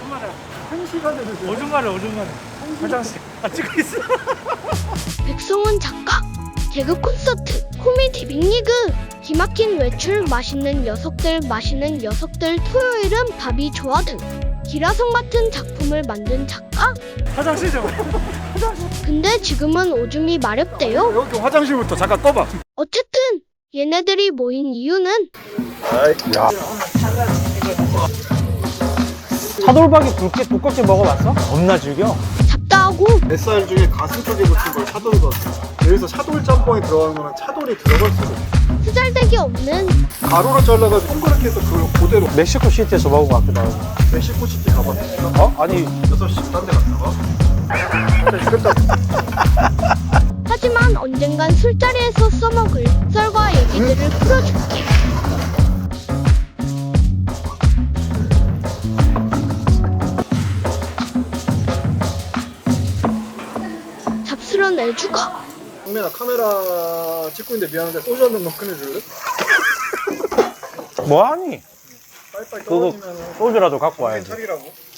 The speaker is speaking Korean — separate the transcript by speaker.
Speaker 1: 오줌마려.
Speaker 2: 1시간을
Speaker 1: 오줌마려. 화장실. 찍고 있어.
Speaker 3: 백성원 작가 개그 콘서트 코미디 빅리그 기막힌 외출 맛있는 녀석들 토요일은 밥이 좋아 등 기라성 같은 작품을 만든 작가.
Speaker 1: 화장실 좀.
Speaker 3: 근데 지금은 오줌이 마렵대요.
Speaker 2: 여기 화장실부터 잠깐 떠봐.
Speaker 3: 어쨌든 얘네들이 모인 이유는
Speaker 2: 야.
Speaker 1: 차돌박이 굵게 두껍게 먹어봤어? 겁나 즐겨.
Speaker 3: 잡다하고
Speaker 2: 뱃살 중에 가슴 쪽에 붙은 걸 차돌박. 여기서 차돌 짬뽕에 들어가는 거는 차돌이 들어갈 수도 있어.
Speaker 3: 쓰잘데기 없는
Speaker 2: 가로로 잘라가지고 동그랗게 해서 그걸 그대로.
Speaker 1: 멕시코 시티에서 먹은 것 같기도 하고.
Speaker 2: 멕시코 시티 가봤어?
Speaker 1: 어? 아니
Speaker 2: 6시 딴 데 갔다가?
Speaker 3: 하지만 언젠간 술자리에서 써먹을 썰과 얘기들을 풀어줄게. 잡스런 애주가
Speaker 2: 성민아 카메라 찍고 있는데 미안한데 소주 한 잔만 꺼내줄래?
Speaker 1: 뭐하니?
Speaker 2: 빨리빨리
Speaker 1: 그거
Speaker 2: 떨어지면
Speaker 1: 소주라도 갖고 와야지.
Speaker 2: 차리라고.